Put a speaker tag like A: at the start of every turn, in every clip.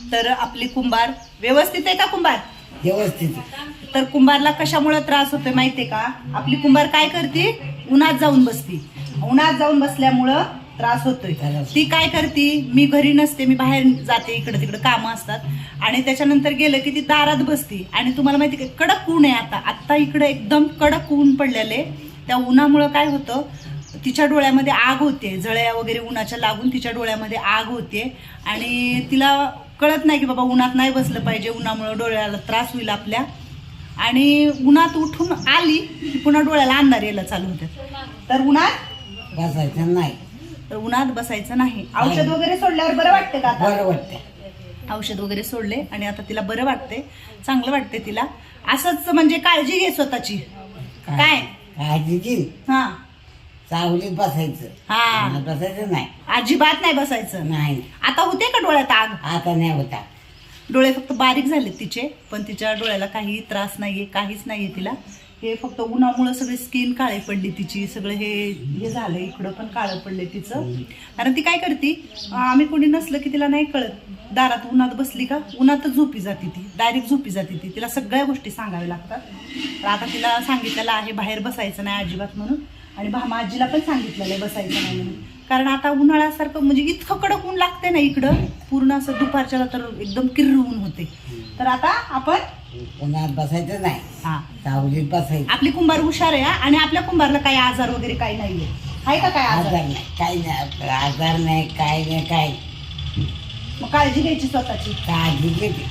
A: तर आपली कुंभार व्यवस्थित आहे का कुंभार?
B: व्यवस्थित.
A: तर कुंभारला कशामुळे त्रास होतोय माहितीये का? आपली कुंभार काय करते? उन्हात जाऊन बसती. उन्हात जाऊन बसल्यामुळं त्रास होतोय. ती काय करते? मी घरी नसते, मी बाहेर जाते, इकडे तिकडे कामं असतात आणि त्याच्यानंतर गेलं की ती दारात बसती. आणि तुम्हाला माहिती का कडक ऊन आहे आता इकडे एकदम कडक ऊन पडलेले. त्या उन्हामुळं काय होतं, तिच्या डोळ्यामध्ये आग होते, जळ्या वगैरे उन्हाच्या लागून तिच्या डोळ्यामध्ये आग होते आणि तिला कळत नाही की बाबा उन्हात नाही बसलं पाहिजे, उन्हामुळं डोळ्याला त्रास होईल आपल्या. आणि उन्हात उठून आली की पुन्हा डोळ्याला अंधार यायला चालू होते. तर उन्हात
B: बसायचं नाही.
A: तर उन्हात बसायचं नाही. औषध वगैरे सोडल्यावर बरं वाटते का आता?
B: बरं वाटतं.
A: औषध वगैरे सोडले आणि आता तिला बरं वाटते, चांगलं वाटते तिला. असंच म्हणजे काळजी घे स्वतःची. काय
B: काळजी घे.
A: हा
B: सावलीत बसायचं.
A: हा,
B: उन्हात बसायचं नाही.
A: अजिबात नाही बसायचं.
B: नाही.
A: आता होते का डोळ्यात आग?
B: आता नाही होता.
A: डोळे फक्त बारीक झाले तिचे, पण तिच्या डोळ्याला काही त्रास नाहीये, काहीच नाहीये तिला. हे फक्त उन्हामुळं सगळी स्किन काळी पडली तिची, सगळं हे झालं, इकडं पण काळं पडले तिचं. कारण ती काय करते, आम्ही कोणी नसलं की तिला नाही कळत, दारात उन्हात बसली का उन्हातच झोपी जाते ती, डायरेक्ट झोपी जाते ती. तिला सगळ्या गोष्टी सांगाव्या लागतात. तर आता तिला सांगितलेलं आहे बाहेर बसायचं नाही अजिबात म्हणून, आणि भामा आजीला पण सांगितलेलं आहे बसायचं नाही म्हणून. कारण आता उन्हाळ्यासारखं म्हणजे इतकं कडक ऊन लागते ना इकडं, पूर्ण असं दुपारच्याला तर एकदम किर्र ऊन होते. तर आता आपण
B: उन्हात बसायचं नाही.
A: हा,
B: सावलीत बसायचं.
A: आपली कुंभार हुशार आहे आणि आपल्या कुंभारला काही आजार वगैरे काही नाहीये. आहे का काय
B: आजार
A: आजार?
B: नाही, काही नाही. आपलं आजार नाही, काय नाही, काय.
A: मग काळजी घ्यायची स्वतःची.
B: काळजी घेते.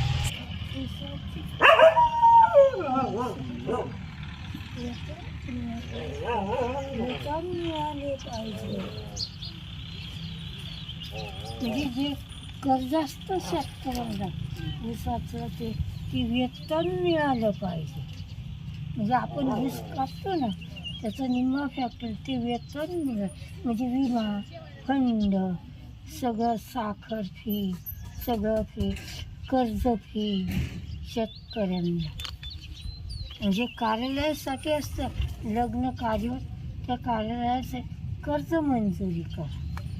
C: म्हणजे जे कर्ज असतं शेतकऱ्याला ऊसाचं ते वेतन मिळालं पाहिजे. म्हणजे आपण ऊस कापतो ना, त्याचा निम्मा फॅक्टर ते वेतन मिळालं म्हणजे विमा फंड सगळं, साखर फी सगळं फी, कर्ज फी शेतकऱ्यांना. म्हणजे कार्यालयासाठी असतं लग्न कार्य, त्या कार्यालयाचे कर्ज मंजुरी करा.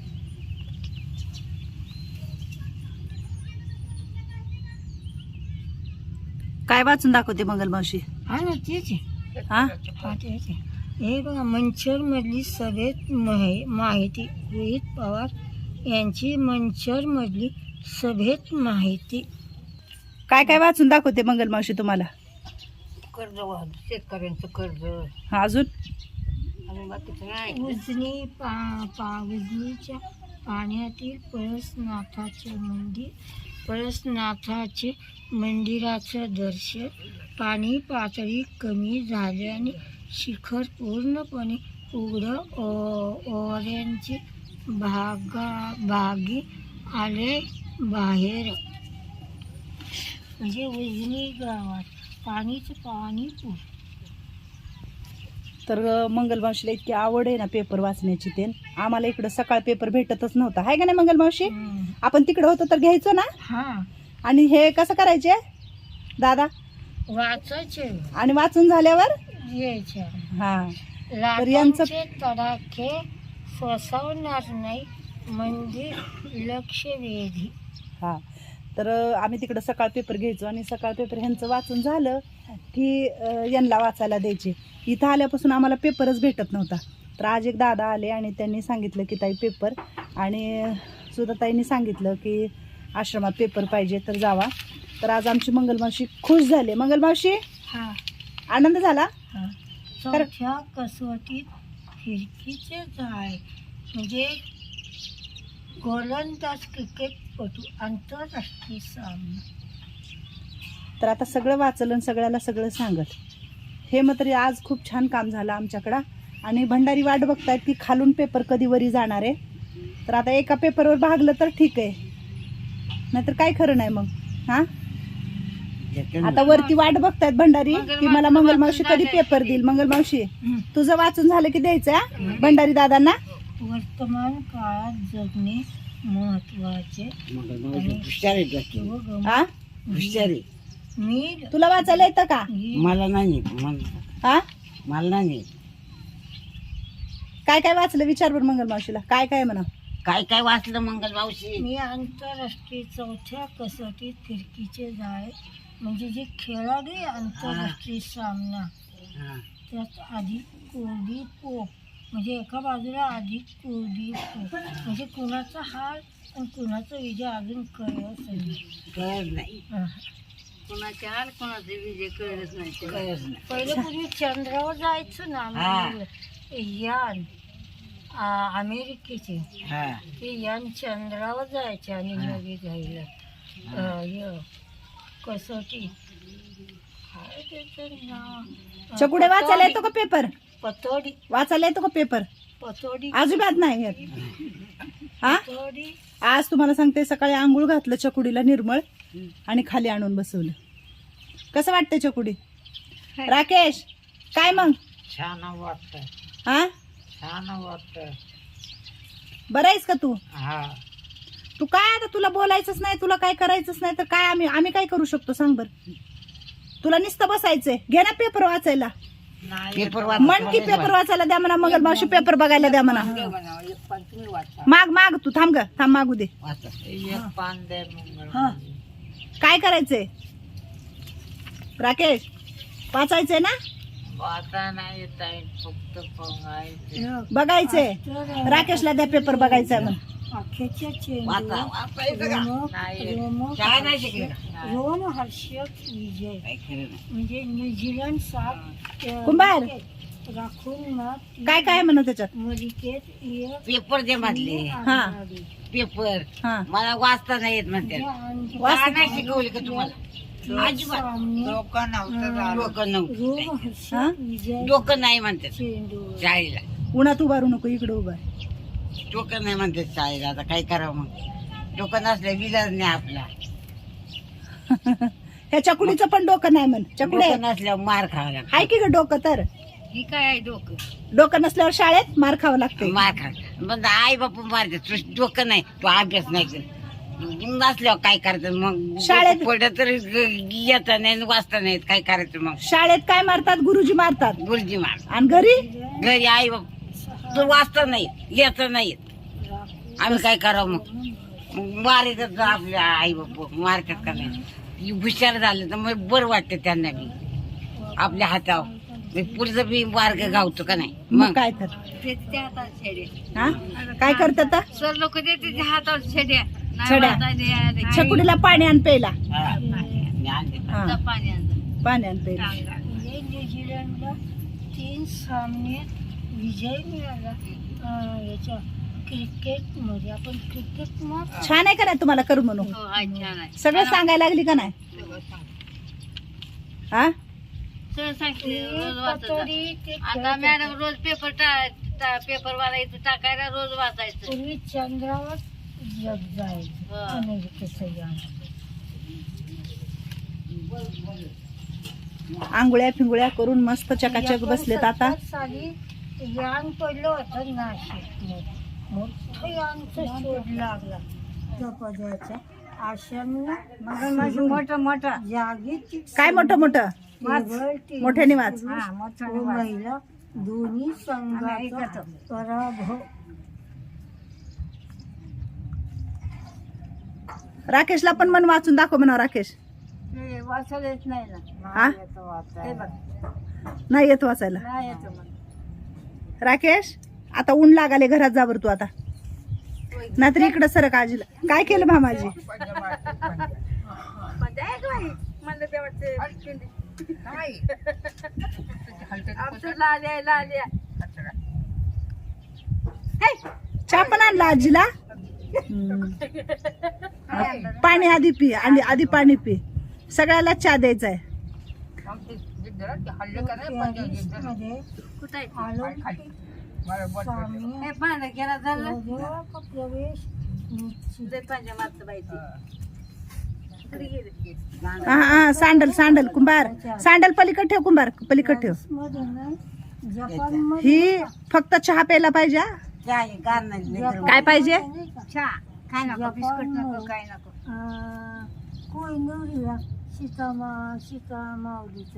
A: काय वाचून दाखवते मंगल मावशी?
C: हा ना, तेच आहे.
A: हा,
C: हा तेच आहे. हे बघा, मंचरमधली सभेत माहिती, रोहित पवार यांची मंचरमधली सभेत माहिती.
A: काय काय वाचून दाखवते मंगल मावशी तुम्हाला?
C: कर्ज शेतकऱ्यांचं कर्ज,
A: हा, अजून
C: उजनी उजनीच्या पाण्यातील पळसनाथाचे मंदिराचं दर्शन. पाणी पातळी कमी झाल्याने शिखर पूर्णपणे उघडं, ओऱ्यांचे भागी आले बाहेर. म्हणजे उजनी गावात पाणी
A: तर मंगल मावशीला इतकी आवड आहे ना पेपर वाचण्याची. ते आम्हाला इकडं सकाळ पेपर भेटतच नव्हता, आहे का नाही मंगल मावशी? आपण तिकडं होतो तर घ्यायचो ना.
C: हा,
A: आणि हे कसं करायचे दादा?
C: वाचायचे
A: आणि वाचून झाल्यावर
C: यायचे.
A: हा, तर यांचं
C: तडाखे सोसवणार नाही मंदिर लक्षवेधी.
A: हा, तर आम्ही तिकडं सकाळ पेपर घ्यायचो आणि सकाळ पेपर ह्यांचं वाचून झालं की यांना वाचायला द्यायचे. इथं आल्यापासून आम्हाला पेपरच भेटत नव्हता. तर आज एक दादा आले आणि त्यांनी सांगितलं की ताई पेपर, आणि सुद्धा ताईंनी सांगितलं की आश्रमात पेपर पाहिजे तर जावा. तर आज आमची मंगलमावशी खुश झाली. मंगलमावशी,
C: हा,
A: आनंद झाला.
C: हा. चौथ्या कसोटीत फिरकीचे जाळे म्हणजे गोलंदाज क्रिकेटपटू आंतरराष्ट्रीय सामना.
A: तर आता सगळं वाचलं आणि सगळ्याला सगळं सांगत. हे मात्र आज खूप छान काम झालं आमच्याकडं. आणि भंडारी वाट बघतायत की खालून पेपर कधी वरी जाणार आहे. तर आता एका पेपरवर भागलं तर ठीक आहे, नाहीतर काय खरं नाही मग. हा, आता वरती वाट बघतायत भंडारी की मला मंगल मावशी कधी पेपर देईल. मंगल मावशी, तुझं वाचून झालं की द्यायचं भंडारी दादांना.
C: वर्तमान काळात जगणे महत्वाचे.
A: हा,
B: हुशारी.
C: मी
A: तुला वाचायला येतं का?
B: मला नाही.
A: हा,
B: मला नाही.
A: काय काय वाचलं विचार बरं मंगल मावशीला. काय काय म्हणा?
B: काय काय वाचलं मंगल मावशी?
C: मी आंतरराष्ट्रीय चौथ्या कसोटीत फिरकीचे जाळे म्हणजे जे खेळाडू आहे आंतरराष्ट्रीय सामना
B: हा.
C: त्यात आधी कुलदीप पोप म्हणजे एका बाजूला आधी कुलदीप पोप म्हणजे कुणाचा हार आणि कुणाचा विजय अजून कळत नाही.
B: कळत नाही.
C: कुणाचा हार कुणाचा विजय कळत नाही.
B: कळत नाही.
C: पहिलं पूर्वी चंद्रावर जायचं ना
B: हा.
C: आम्ही यान अमेरिकेचे
B: हा.
C: ते यान चंद्रावर जायचे आणि नवी घ्यायला कसोटी काय त्याचं नाव
A: चकुडे वाचायला येतो का पेपर?
C: पतोडी
A: वाचायला येतो का पेपर?
C: पतोडी
A: अजिबात नाही येत. हा
C: पतोडी
A: आज तुम्हाला सांगते, सकाळी आंघोळ घातलं चकुडीला निर्मळ आणि खाली आणून बसवलं. कसं वाटतंय चकुडी? राकेश काय मग?
B: छान वाटत.
A: हा
B: छान वाटत.
A: बरं आहेस का तू?
B: हा.
A: तू काय आता, तुला बोलायचंच नाही, तुला काय करायचंच नाही तर काय आम्ही काय करू शकतो सांग बर? तुला नुसतं बसायचंय. घे ना पेपर वाचायला.
B: पेपर
A: मन की पेपर वाचायला द्या म्हणा. मंगल मावशी पेपर बघायला द्या म्हणा. माग माग तू थांब ग, थांब मागू दे. हा. काय करायचंय राकेश? वाचायचंय ना?
B: वाचा नाही येत आहे, फक्त बघायचं.
A: बघायचंय. राकेशला द्या पेपर बघायचा मग.
C: अखेच्या
B: वाचा. वाचायचं का? काय नाही शिकले का?
C: रोम हर्षक विजय
B: काय खरं नाही.
C: म्हणजे न्यूझीलंड 7
A: कुंभार.
C: राखून मग
A: काय काय म्हणत त्याच्यात?
C: मलिकेत
B: पेपर दे म्हटले.
A: हा.
B: पेपर
A: हा.
B: मला वाचता नाही येत म्हणते.
A: वाचता
B: नाही शिकवली का तुम्हाला? अजिबात डोकं नव्हतं.
C: रोम
A: हा?
C: हर्षक विजय
B: डोकं नाही म्हणते
C: चेंडू
B: शाळेला.
A: उन्हात उभारू नको, इकडे उभा.
B: डोकं नाही म्हणते शाळेला. आता काय करावं मग? डोकं नसलं विलाज नाही आपला.
A: ह्या चकुडीचं पण डोकं नाही म्हण. चकुडे
B: डोकं नसल्यावर मार खावा लागतो.
A: हाय की ग डोकं? तर
C: ही काय आहे डोकं?
A: डोकं नसल्यावर शाळेत मार खावं लागते.
B: मार खा. पण आई बापू मारते. तू डोकं नाही, तू अभ्यास नाही करत. नसल्यावर काय करायचं मग?
A: शाळेत-
B: पडत तर येता नाही वाचता नाहीत. काय करायचं मग?
A: शाळेत काय मारतात? गुरुजी मारतात.
B: गुरुजी मार.
A: आणि घरी
B: घरी आई बाप तू वाचता नाही येत नाहीत. आम्ही काय करावं मग? मारितात आपल्या आई बाप मारतात का नाही? हुशार झाले तर मग बरं वाटतं त्यांना बी आपल्या हातावर. पुढचं बी मार्ग गावतो का नाही?
A: मग काय तर. हा काय करतात आता?
C: सर लोक देते हातावर छड्या
A: छड्या. चकुडीला पाणी आण प्यायला. हा.
C: पाणी
A: पाणी आण प्यायला.
C: म्हणजे न्यूझीलंडला 3 सामने विजय मिळाला. याच्या क्रिकेटमध्ये आपण क्रिकेट मॅच
A: छान आहे का नाही तुम्हाला करू म्हणून?
C: छान आहे.
A: सगळं सांगायला लागली का नाही? हा
C: आता मॅडम रोज पेपर वाचायचं टाकायला रोज वाचायचं. पूर्वी चंद्रावर जग जायचं अमेरिकेचं यान.
A: आंघोळ्या फिंगोळ्या करून मस्त चकाचक बसलेत आता.
C: 1970 साली यान पडलं होतं नाशिकमध्ये. मोठं यानचा शोध लागला त्या पदाचा. आश्रम मोठं मोठं जागीच
A: काय मोठं मोठं? मोठ्याने वाच.
C: महिला दोन्ही संघाचा पराभव.
A: राकेशला पण मन वाचून दाखव म्हणा. राकेश
C: वाचायला येत नाही ना.
A: हा नाही येत वाचायला.
C: नाही येत मला.
A: राकेश आता ऊन लागाले, घरात जा बरं तू आता. नाहीतर इकडं सरक. आजीला काय केलं मामाजी? चहा पण आणला आजीला. पाणी आधी पी आणि आधी पाणी पी. सगळ्याला चहा द्यायचा आहे. हा हा सँडल सँडल कुंभार. सँडल पलीकड ठेव कुंभार, पलीकड ठेव. ही फक्त चहा प्यायला पाहिजे. काय पाहिजे?
C: काय नको, बिस्कुट नको, काय नको. कोयनूर सीता माऊलीचा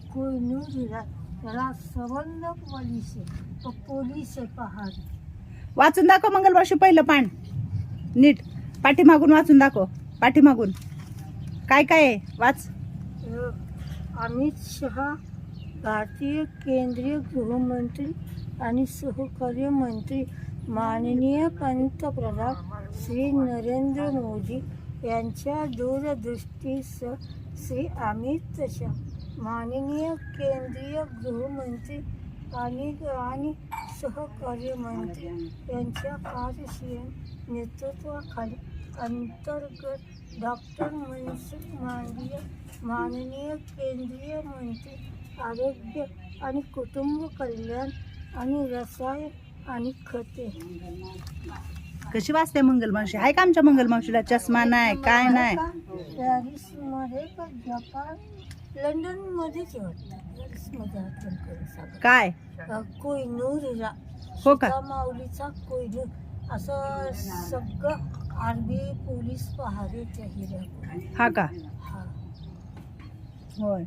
C: कोयनूर त्याला सबंध पोलीस आहे. तो पोलीस आहे पहाड.
A: वाचून दाखव मंगलमावशी पहिलं पान नीट. पाठीमागून वाचून दाखव. पाठीमागून काय काय आहे वाच.
C: अमित शहा भारतीय केंद्रीय गृहमंत्री आणि सहकार्य मंत्री माननीय पंतप्रधान श्री नरेंद्र मोदी यांच्या दूरदृष्टीसह श्री अमित शहा माननीय केंद्रीय गृहमंत्री आणि सहकार्य मंत्री यांच्या कार्यशील नेतृत्वाखाली अंतर्गत डॉक्टर मनसुख मांडविया माननीय केंद्रीय मंत्री आरोग्य आणि कुटुंब कल्याण आणि रसायन आणि खते.
A: कशी वाचते मंगलमावशी? आहे का आमच्या मंगलमावशीला चष्मा नाही काय नाही?
C: पॅरिस मध्ये का जपान लंडन मध्येच वाटतं. पॅरिस मध्ये
A: काय
C: कोहिनूर
A: हो का?
C: माऊलीचा कोहिनूर असं सगळं आर्मी पोलीस पहारेच्या हिऱ्या.
A: हा का?
C: हा.
A: होय.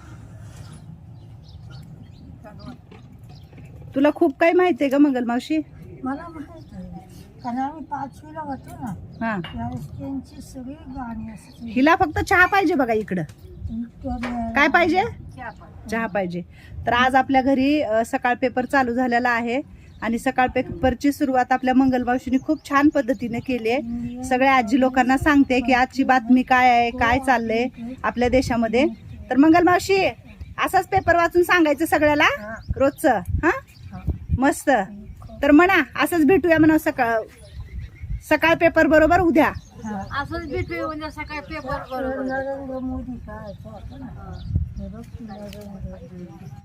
A: तुला खूप काही माहिती आहे का मंगलमावशी?
C: मला माहित आहे कारण आम्ही 5वीला होतो ना
A: हा.
C: त्यावेळेस त्यांची सगळी गाणी असते.
A: हिला फक्त चहा पाहिजे बघा इकडं. काय पाहिजे? चहा पाहिजे. तर आज आपल्या घरी सकाळ पेपर चालू झालेला आहे आणि सकाळ पेपरची सुरुवात आपल्या मंगलमावशीने खूप छान पद्धतीने केली आहे. सगळ्या आजी लोकांना सांगते की आजची बातमी काय आहे, काय चाललंय आपल्या देशामध्ये. तर मंगलमावशी असाच पेपर वाचून सांगायचं सगळ्याला रोजचं. हा मस्त. तर म्हणा असंच भेटूया म्हणा सकाळ पेपर बरोबर उद्या.
B: असंच भेटूया उद्या सकाळी पेपर बरोबर.
C: नरेंद्र मोदी काय